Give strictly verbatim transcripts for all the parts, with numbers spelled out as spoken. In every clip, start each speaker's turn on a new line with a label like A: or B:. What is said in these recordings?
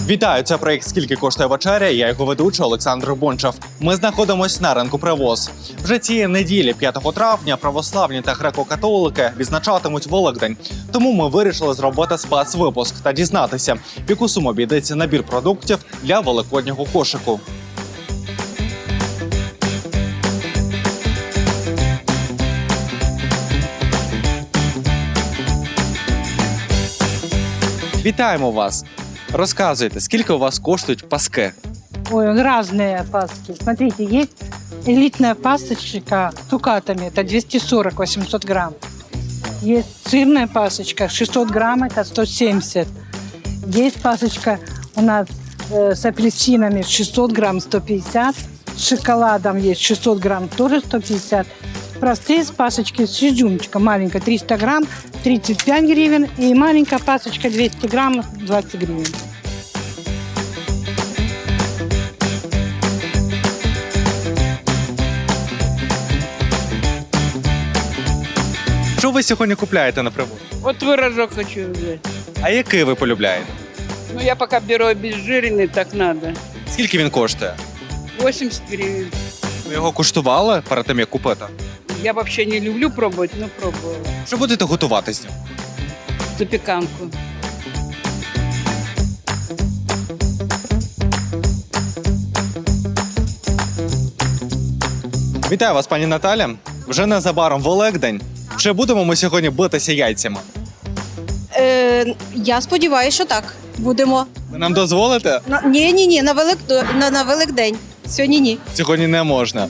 A: Вітаю, це проєкт «Скільки коштує вечеря?» Я його ведучий Олександр Бончав. Ми знаходимося на ринку Привоз. Вже цієї неділі, п'ятого травня, православні та греко-католики відзначатимуть Великдень. Тому ми вирішили зробити спецвипуск та дізнатися, в яку суму обійдеться набір продуктів для великоднього кошику. Вітаємо вас! Розказуйте, скільки у вас коштують паски?
B: Ой, разные паски. Смотрите, есть элитная пасочка с цукатами, это двести сорок - восемьсот грамм. Есть сырная пасочка, шестьсот грамм, это сто семьдесят. Есть пасочка у нас э, с апельсинами, шестьсот грамм, сто пятьдесят. С шоколадом есть шестьсот грамм, тоже сто пятьдесят. Простые пасочки с изюмчиком, маленькая триста грамм, тридцать пять гривен. И маленькая пасочка двести грамм, двадцать гривен.
A: Що ви сьогодні купляєте на Привоз?
C: Вот творожок хочу взять.
A: А який ви полюбляєте?
C: Ну, я пока беру обезжиренный, так надо.
A: Скільки він коштує?
C: восемьдесят гривен.
A: Ви його куштували перед тим, як купити?
C: Я вообще не люблю пробовать, но пробовала.
A: Що будете готувати з ним?
C: Запеканку.
A: Вітаю вас, пані Наталя. Вже незабаром Великдень. Чи будемо ми сьогодні битися яйцями?
D: Е, я сподіваюся, що так. Будемо.
A: Ви нам дозволите?
D: На, ні, ні, ні, на, Велик, на, на Великдень. Сьогодні ні.
A: Сьогодні не можна.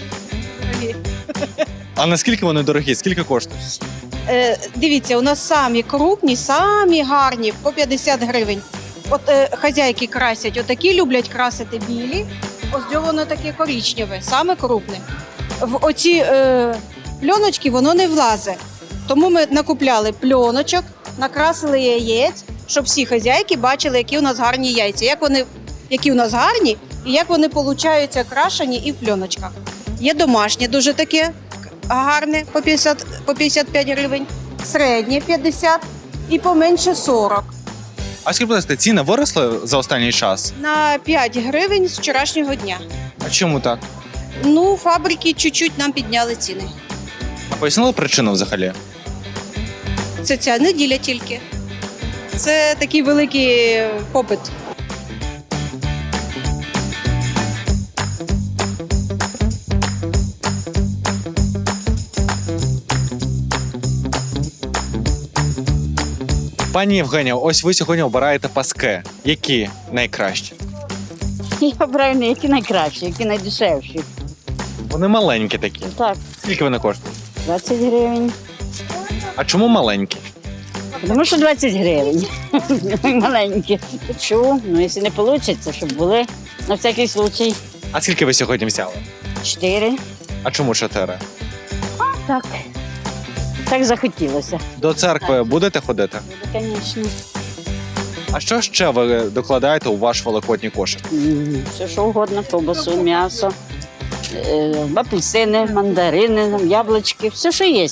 A: А наскільки вони дорогі? Скільки коштують?
D: Е, дивіться, у нас самі крупні, самі гарні, по п'ятдесят гривень. От е, хазяйки красять, отакі люблять красити білі. Ось воно таке коричневе, саме крупне. В оці е, пленочки воно не влазить. Тому ми накупляли пленочок, накрасили яєць, щоб всі хазяйки бачили, які у нас гарні яйця, як вони, які у нас гарні і як вони получаються крашені і в пленочках. Є домашнє дуже таке гарне, по п'ятдесят, по п'ятдесят п'ять гривень, середнє п'ятдесят і поменше сорок.
A: А скільки, будь ласка, ціни виросли за останній час?
D: На п'ять гривень з вчорашнього дня.
A: А чому так?
D: Ну, фабрики чуть-чуть нам підняли ціни.
A: А пояснили причину взагалі?
D: Це ця неділя тільки. Це такий великий попит.
A: Пані Євгенія, ось ви сьогодні обираєте паски. Які найкращі?
E: Я обираю не які найкращі, які найдешевші.
A: Вони маленькі такі.
E: Так,
A: Скільки вони коштують?
E: двадцять гривень.
A: А чому маленькі?
E: Тому що двадцять гривень. Маленькі. Чому? Ну, якщо не вийде, щоб були на всякий случай.
A: А скільки ви сьогодні взяли?
E: Чотири.
A: А чому чотири?
E: Так. Так захотілося.
A: До церкви будете ходити?
E: Буде, звісно.
A: А що ще ви докладаєте у ваш великодній кошик?
E: М, Все, що угодно, ковбасу, м'ясо, е, апельсини, мандарини, яблучки, все, що є.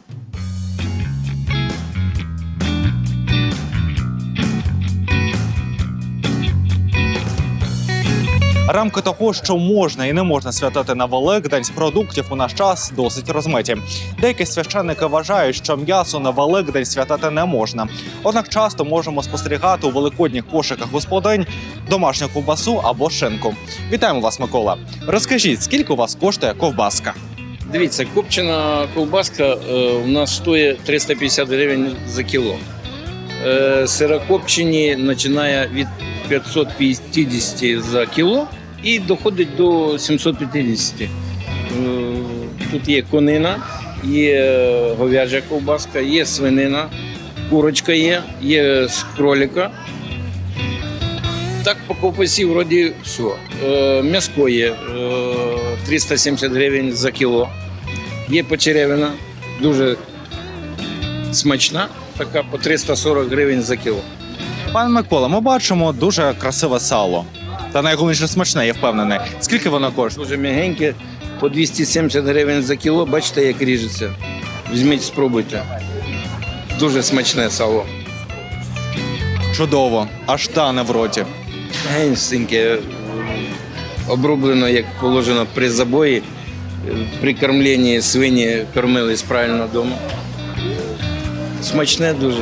A: Рамки того, що можна і не можна святити на Великдень, з продуктів у наш час досить розмиті. Деякі священники вважають, що м'ясо на Великдень святити не можна. Однак часто можемо спостерігати у великодніх кошиках господинь домашню ковбасу або шинку. Вітаємо вас, Микола. Розкажіть, скільки у вас коштує ковбаска?
F: Дивіться, копчена ковбаска е, у нас стоїть триста п'ятдесят гривень за кіло. Е, сирокопчені починає від п'ятсот п'ятдесят за кіло і доходить до сімсот п'ятдесят. Е, тут є конина, є говяжа ковбаска, є свинина, курочка є, є з кролика. Так по ковбасі вроді все. Е, м'яско є е, триста сімдесят гривень за кіло. Є почеревина, дуже смачна, така по триста сорок гривень за кіло.
A: Пане Микола, ми бачимо дуже красиве сало. Та найголовніше смачне, я впевнений. Скільки воно коштує?
F: Дуже м'ягеньке, по двісті сімдесят гривень за кіло. Бачите, як ріжеться. Візьміть, спробуйте. Дуже смачне сало.
A: Чудово, аж тане в роті.
F: Генсіньке, оброблено, як положено при забої. При кормленні свині кормились правильно вдома. Смачне дуже.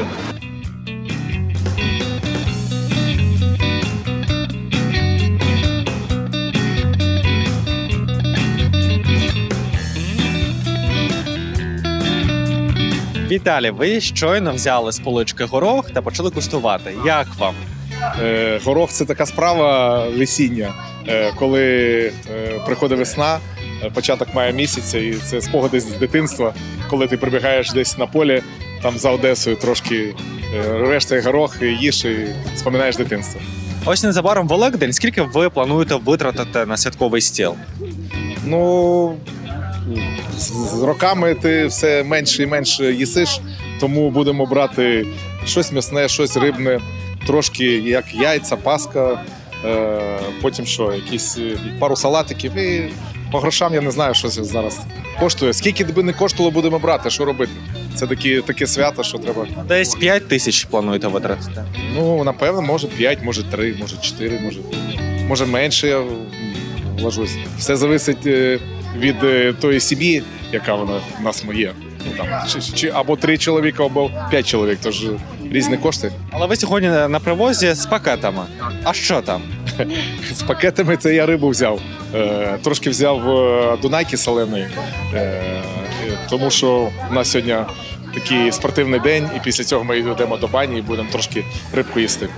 A: Віталій, ви щойно взяли з полички горох та почали куштувати. Як вам?
G: Е, Горох це така справа весіння, е, коли е, приходить весна, е, початок мая місяця, і це спогади з дитинства, коли ти прибігаєш десь на полі, там за Одесою трошки е, рвеш цей горох, і їш і споминаєш дитинство.
A: Ось незабаром Великдень. Скільки ви плануєте витратити на святковий стіл?
G: Ну, з з роками ти все менше і менше їсиш, тому будемо брати щось м'ясне, щось рибне, трошки як яйця, паска, е, потім що, якісь е, пару салатиків і по грошам я не знаю, що це зараз коштує. Скільки би не коштувало, будемо брати, що робити? Це такі, таке свято, що треба.
A: Десь п'ять тисяч плануєте витратити.
G: Ну, напевно, може п'ять, може три, може чотири, може, може менше, я вважусь. Все залежить е, від е, тої сім'ї, яка вона в нас є. Ну, там, чи, чи, або три чоловіка, або п'ять чоловік, тож різні кошти.
A: Але ви сьогодні на привозі з пакетами. А що там?
G: З пакетами це я рибу взяв. Е, трошки взяв е, дунайки соленої, е, тому що у нас сьогодні такий спортивний день, і після цього ми йдемо до бані і будемо трошки рибку їсти.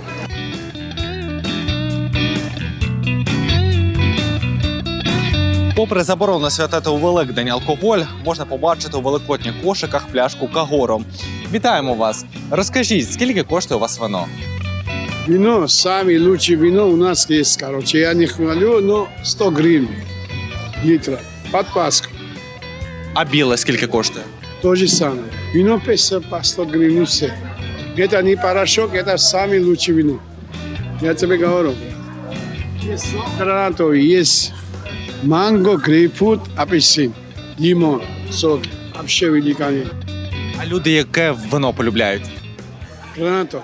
A: Попри заборону святити у Великдень алкоголь, можна побачити у великодніх кошиках пляшку Кагору. Вітаємо вас! Розкажіть, скільки коштує у вас вино?
H: Вино, самое лучшее вино у нас есть, короче. Я не хвалю, но сто гривен литра. Под Пасху.
A: А біле скільки коштує?
H: То же самое. Вино пятьдесят по сто гривен все. Это не порошок, это самое лучшее вино. Я тебе говорю. Есть сок гранатовый, есть манго, грейпфрут, апельсин, лимон, соки. Вообще великолепно.
A: А люди яке вино полюбляють?
H: Гранатовый.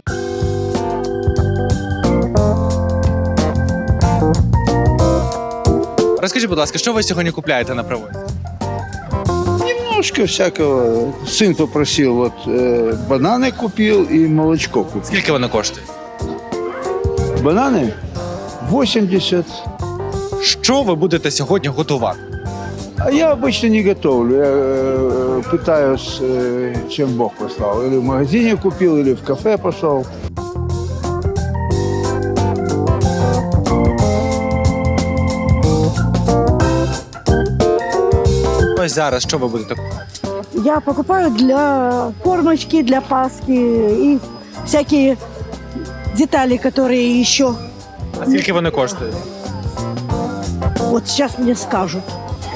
A: Розкажіть, будь ласка, що ви сьогодні купляєте на привозі?
I: Немножко всякого. Сын попросил, вот э, бананы купил и молочко купил.
A: Скільки вони коштують?
I: Бананы восемьдесят.
A: Що ви будете сьогодні готувати?
I: А я обычно не готовлю. Я э, пытаюсь, э, чем Бог послал. Или в магазине купил, или в кафе пошел.
A: Ось зараз що ви будете купувати?
J: Я покупаю для кормочки, для Пасхи и всякие детали, которые еще
A: А скільки вони коштують?
J: вот сейчас мне скажут.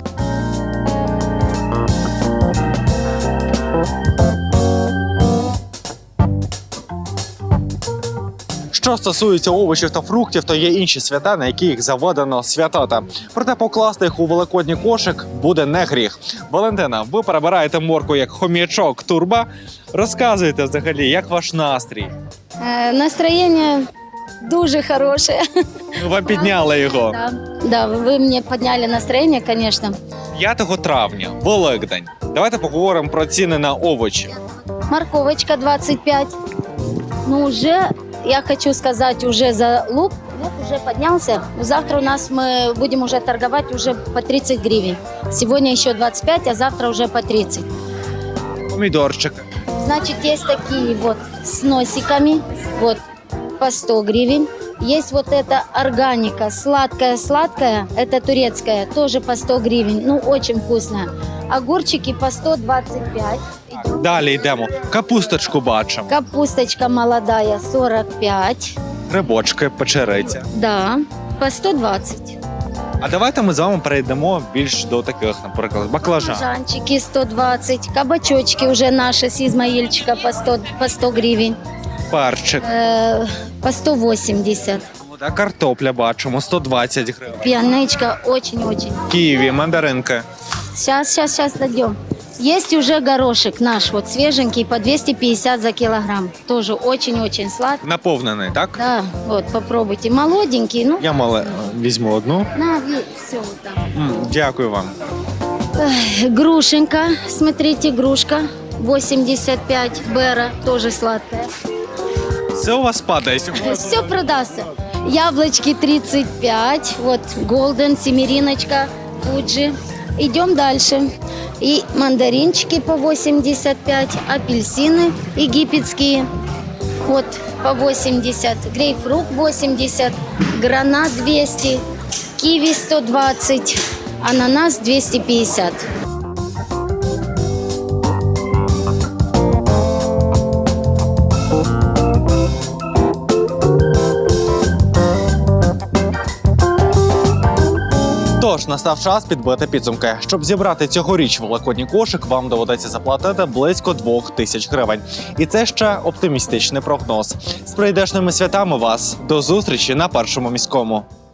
A: Що стосується овочів та фруктів, то є інші свята, на які їх заведено святати. Проте покласти їх у великодній кошик буде не гріх. Валентина, ви перебираєте морку як хом'ячок турба. Розказуйте взагалі, як ваш настрій?
K: Е, Настроєння дуже хороше.
A: Ну, вам підняли його.
K: Да, да, ви мені підняли настроєння, звісно.
A: п'ятого травня, Великдень. Давайте поговоримо про ціни на овочі.
K: Морковочка двадцать пять. Ну, уже, я хочу сказать, уже за лук. Лук уже поднялся. Завтра у нас мы будем уже торговать уже по тридцать гривен. Сегодня еще двадцать пять, а завтра уже по тридцать.
A: Помідорчик.
K: Значит, есть такие вот с носиками, вот по сто гривен. Есть вот эта органика, сладкая-сладкая, это турецкая, тоже по сто гривен, ну очень вкусная. Огурчики по сто двадцать пять.
A: Далі йдемо. Капусточку бачимо.
K: Капусточка молодая сорок пять,
A: Грибочки, печериця.
K: да, по сто двадцать.
A: А давайте ми з вами перейдемо більш до таких, наприклад, баклажан.
K: Баклажанчики сто двадцать, кабачочки уже наши с Измаильчика по сто, по сто гривен,
A: Перчик.
K: э, по сто восемьдесят.
A: А картопля бачимо, сто двадцять гривень.
K: Пианечка очень-очень.
A: Ківі, мандаринки.
K: Сейчас, сейчас, сейчас дойдем. Есть уже горошек наш, вот свеженький, по двести пятьдесят за килограмм. Тоже очень-очень сладкий.
A: Наповнений, так?
K: Да, вот, попробуйте. Молоденький, ну,
A: Я мале візьму одну.
K: на, все вот там.
A: М, Дякую вам.
K: Эх, грушенька, смотрите, грушка, восемьдесят пять, Бера, тоже сладкая.
A: Все у вас падає сьогодні.
K: Все продастся. Яблочки тридцать пять, вот Голден, семериночка, Фуджи. Идем дальше. И мандаринчики по восемьдесят пять, апельсины египетские, вот по восемьдесят, грейпфрут восемьдесят, гранат двести, киви сто двадцать, ананас двести пятьдесят.
A: Тож настав час підбити підсумки. Щоб зібрати цьогоріч великодній кошик, вам доведеться заплатити близько двох тисяч гривень. І це ще оптимістичний прогноз. З прийдешними святами вас! До зустрічі на Першому міському.